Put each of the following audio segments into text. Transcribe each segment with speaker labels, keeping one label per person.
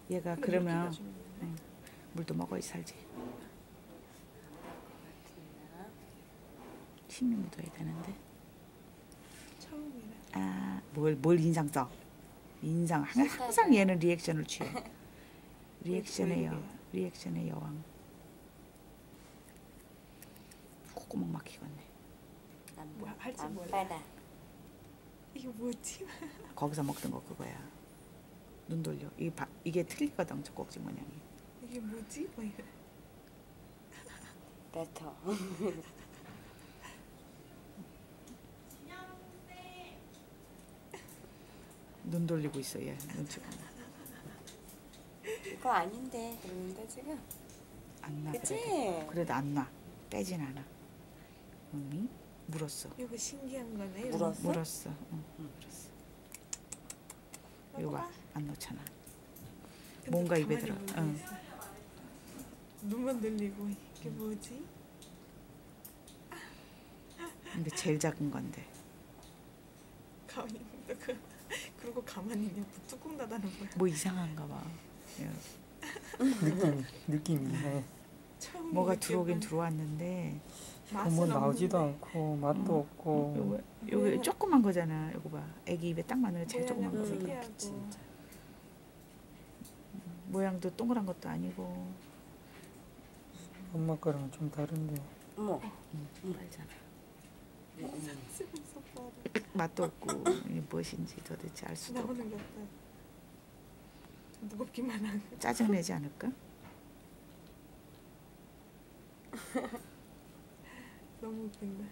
Speaker 1: 얘가 그러면 물도 먹어야 살지. 침이 묻어야 되는데.
Speaker 2: 처음이라.
Speaker 1: 뭘 인상 써? 인상 항상 얘는 리액션을 취해. 리액션의 여왕. 콧구멍 막히겠네.
Speaker 2: 뭐 할지 몰라.
Speaker 3: 빨아.
Speaker 2: 이게 뭐지?
Speaker 1: 거기서 먹던 거 그거야. 눈 돌려. 이게 틀리거든, 저 꼭지 모양이.
Speaker 2: 이게 뭐지? 뭐 이래.
Speaker 3: 뱉어.
Speaker 1: 눈 돌리고 있어 얘. 눈치가
Speaker 3: 이거 아닌데 그러는데 지금.
Speaker 1: 안 나.
Speaker 3: 그치?
Speaker 1: 그래도 안 나. 빼진 않아. 물었어.
Speaker 2: 이거 신기한 거네.
Speaker 3: 물었어?
Speaker 1: 물었어. 응, 물었어. 이거 봐. 안 넣잖아. 뭔가 입에 들어. 응.
Speaker 2: 눈만 들리고 이게 뭐지?
Speaker 1: 근데 제일 작은 건데.
Speaker 2: 가만히 있는데 그러고 가만히 있냐? 뚜껑 닫아놓은 거야.
Speaker 1: 뭐 이상한가 봐.
Speaker 4: 느낌이 이상해.
Speaker 1: 뭐가 들어오긴 들어왔는데.
Speaker 4: 뭐 나오지도 않고 맛도 없고.
Speaker 1: 요거 조그만 거잖아. 이거 봐. 애기 입에 딱 맞는 거 제일 조그만 거.
Speaker 2: 특이하고.
Speaker 1: 모양도 동그란 것도 아니고.
Speaker 4: 엄마 거랑 좀 다른데.
Speaker 3: 어머.
Speaker 1: 빨잖아.
Speaker 2: 쓰면서 봐라.
Speaker 1: 맛도 없고 이게 무엇인지 도대체 알 수도 없고.
Speaker 2: 나오는 것 같다. 무겁기만 하고.
Speaker 1: 짜증내지 않을까?
Speaker 2: 너무 웃긴다.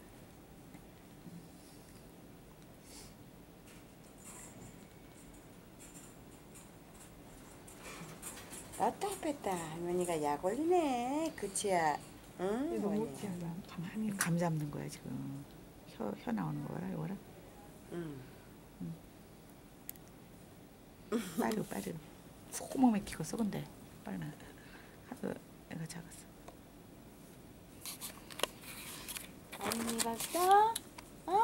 Speaker 3: 왔다 뺐다 할머니가 약 올리네. 그치야. 응?
Speaker 2: 이거 너무
Speaker 3: 뭐냐.
Speaker 2: 웃긴다. 가만히.
Speaker 1: 감 잡는 거야 지금. 혀 나오는 거라 이거라.
Speaker 3: 응.
Speaker 1: 빠르. 소금 맥히고 썩은데 빨리. 하도 애가 작았어.
Speaker 3: 할머니 봤어? 어?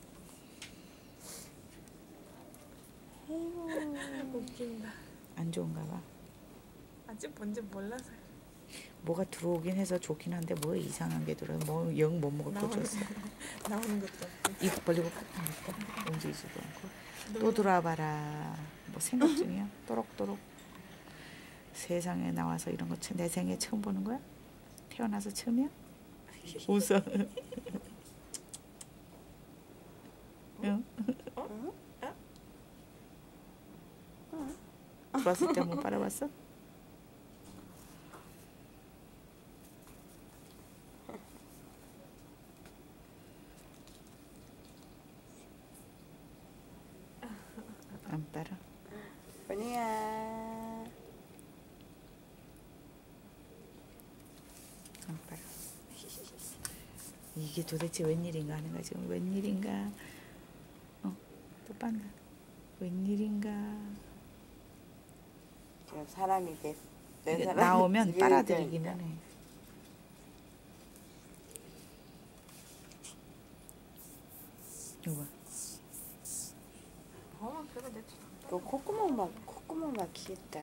Speaker 3: 아이고.
Speaker 2: 웃긴다.
Speaker 1: 안 좋은가 봐.
Speaker 2: 아직 뭔지 몰라서.
Speaker 1: 뭐가 들어오긴 해서 좋긴 한데 뭐 이상한 게 들어요. 뭐 영 못 먹을 거 줬어.
Speaker 2: 나오는 것도 없고.
Speaker 1: 입 벌리고 꾹 움직이지도 않고. 또 들어와봐라. 뭐 생각 중이야? 또록또록. 세상에 나와서 이런 거 내 생에 처음 보는 거야? 태어나서 처음이야? 웃어. 응? 들어왔을 때 한번 빨아봤어? 안 빨아.
Speaker 3: 본이야.
Speaker 1: 안 빨아. 이게 도대체 웬일인가 하는 거야 지금. 웬일인가. 또 빤다. 웬일인가.
Speaker 3: 지금 사람이 내
Speaker 1: 이게
Speaker 3: 사람
Speaker 1: 나오면 빨아들이기만 해. 이거 봐.
Speaker 2: 그래 내
Speaker 3: 그 콧구멍 막히겠다.